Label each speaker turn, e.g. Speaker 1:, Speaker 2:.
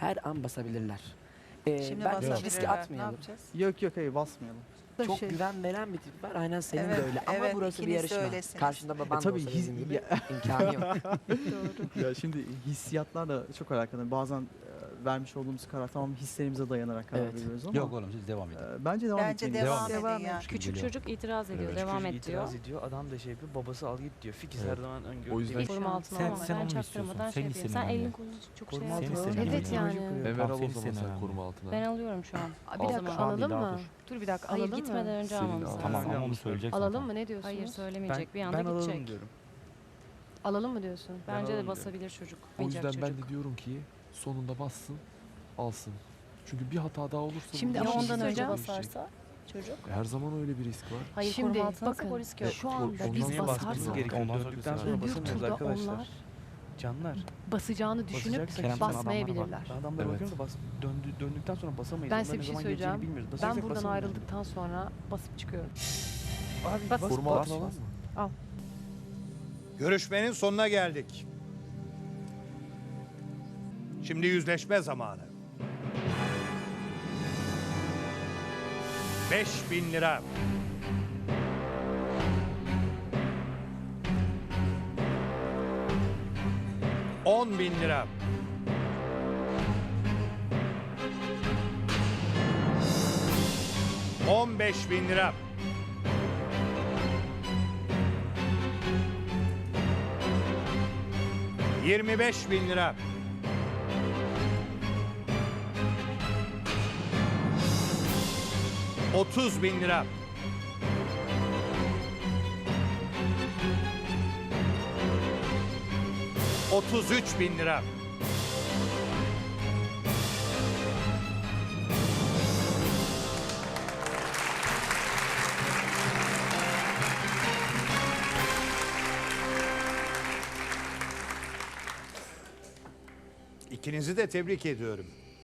Speaker 1: her an basabilirler.
Speaker 2: Şimdi
Speaker 1: Ben hiç
Speaker 2: basabilirler.
Speaker 1: riske
Speaker 2: Ne
Speaker 1: atmayalım.
Speaker 2: yapacağız?
Speaker 3: Yok hayır basmayalım.
Speaker 1: Çok güven veren bir tip var. Aynen senin
Speaker 2: Evet,
Speaker 1: de öyle. Ama
Speaker 2: evet,
Speaker 1: burası bir
Speaker 2: ikiniz de
Speaker 1: yarışma.
Speaker 2: öylesiniz.
Speaker 1: Karşında baban da
Speaker 3: tabii
Speaker 1: olsa
Speaker 3: his-
Speaker 1: dediğim gibi imkanı yok.
Speaker 3: Ya şimdi hissiyatlarla çok alakalı. Bazen vermiş olduğumuz karar tamam hislerimize dayanarak karar
Speaker 1: Evet.
Speaker 3: veriyoruz ama
Speaker 4: Yok oğlum siz devam edin.
Speaker 3: bence devam
Speaker 2: Bence
Speaker 3: etmeliyiz.
Speaker 2: devam
Speaker 4: Devam
Speaker 2: edin yani.
Speaker 5: Küçük çocuk itiraz ediyor,
Speaker 4: Evet.
Speaker 5: devam
Speaker 6: Çocuk
Speaker 5: et diyor.
Speaker 6: itiraz ediyor. Adam da şey yapıyor. Babası al git diyor. Fikiz
Speaker 4: Evet.
Speaker 6: her zaman öngörü.
Speaker 7: O yüzden-
Speaker 6: diyor.
Speaker 5: Koruma altına
Speaker 4: Sen-
Speaker 5: alma.
Speaker 4: sen
Speaker 5: Ben
Speaker 4: onu
Speaker 5: çaktırmadan
Speaker 4: istiyorsun.
Speaker 5: şey
Speaker 4: Sen
Speaker 5: yapayım.
Speaker 4: istemiyorsun
Speaker 5: Sen elini
Speaker 4: yani.
Speaker 5: kolunu çok
Speaker 6: Koruma
Speaker 5: şey
Speaker 6: altına
Speaker 4: Seni
Speaker 5: yapıyorsun.
Speaker 4: istemiyorum.
Speaker 5: Evet yani.
Speaker 7: Emel al o
Speaker 4: Aferin
Speaker 7: zaman
Speaker 4: sana
Speaker 7: sen
Speaker 4: yani.
Speaker 7: koruma altına.
Speaker 5: Ben alıyorum şu an.
Speaker 8: Bir
Speaker 7: Al.
Speaker 8: dakika
Speaker 4: Şu an değil,
Speaker 8: alalım
Speaker 4: daha
Speaker 8: mı?
Speaker 4: dur.
Speaker 8: Dur bir dakika
Speaker 5: Hayır
Speaker 8: alalım
Speaker 5: gitmeden
Speaker 8: mı?
Speaker 5: önce
Speaker 7: Senin
Speaker 5: almamız
Speaker 7: al.
Speaker 5: lazım.
Speaker 4: Tamam ama onu
Speaker 6: Yanlış
Speaker 4: söyleyeceksin.
Speaker 8: Alalım mı ne diyorsunuz?
Speaker 5: Hayır söylemeyecek, bir anda
Speaker 6: Ben alalım
Speaker 5: gidecek.
Speaker 6: diyorum.
Speaker 8: Alalım mı diyorsun?
Speaker 5: Bence de
Speaker 6: alalım
Speaker 5: basabilir çocuk.
Speaker 7: O yüzden
Speaker 5: Oyuncak
Speaker 7: ben
Speaker 5: çocuk.
Speaker 7: de diyorum ki sonunda bassın, alsın. Çünkü bir hata daha olursa
Speaker 8: Şimdi
Speaker 7: burada
Speaker 8: ama
Speaker 7: bir şey
Speaker 8: ondan önce
Speaker 7: değişecek.
Speaker 5: basarsa çocuk.
Speaker 7: Her zaman öyle bir risk var.
Speaker 5: Hayır
Speaker 8: Şimdi
Speaker 5: koruma altına
Speaker 8: bakın,
Speaker 5: o risk yok.
Speaker 8: şu anda
Speaker 7: Ondan
Speaker 8: biz
Speaker 7: sonra
Speaker 6: Niye basmamız
Speaker 8: basarsak
Speaker 6: gerekiyor?
Speaker 4: Ondan sonra
Speaker 6: Döndükten
Speaker 4: bir
Speaker 6: sonra
Speaker 8: öbür
Speaker 6: basamıyoruz
Speaker 8: turda
Speaker 6: arkadaşlar.
Speaker 8: onlar
Speaker 6: Canlar.
Speaker 8: basacağını düşünüp
Speaker 6: Basacaksak
Speaker 4: Kerem, sen
Speaker 8: basmayabilirler.
Speaker 6: Adamlara
Speaker 7: Evet.
Speaker 6: bakıyorum da döndükten sonra basamayız.
Speaker 8: Ben
Speaker 6: Onlar
Speaker 8: size
Speaker 6: ne
Speaker 8: bir şey
Speaker 6: zaman
Speaker 8: söyleyeceğim.
Speaker 6: geleceğini bilmiyoruz.
Speaker 8: Ben
Speaker 6: Basacaksak
Speaker 8: buradan
Speaker 6: basamayız.
Speaker 8: ayrıldıktan sonra basıp çıkıyorum.
Speaker 6: Abi
Speaker 8: Bas-
Speaker 6: bas,
Speaker 7: Koruma
Speaker 6: bas.
Speaker 7: altına var mı?
Speaker 9: Görüşmenin sonuna geldik. Şimdi yüzleşme zamanı. 5.000 lira. 10.000 lira. 15.000 lira. 25.000 lira. 30.000 lira. 33.000 lira. 'İkinizi de tebrik ediyorum.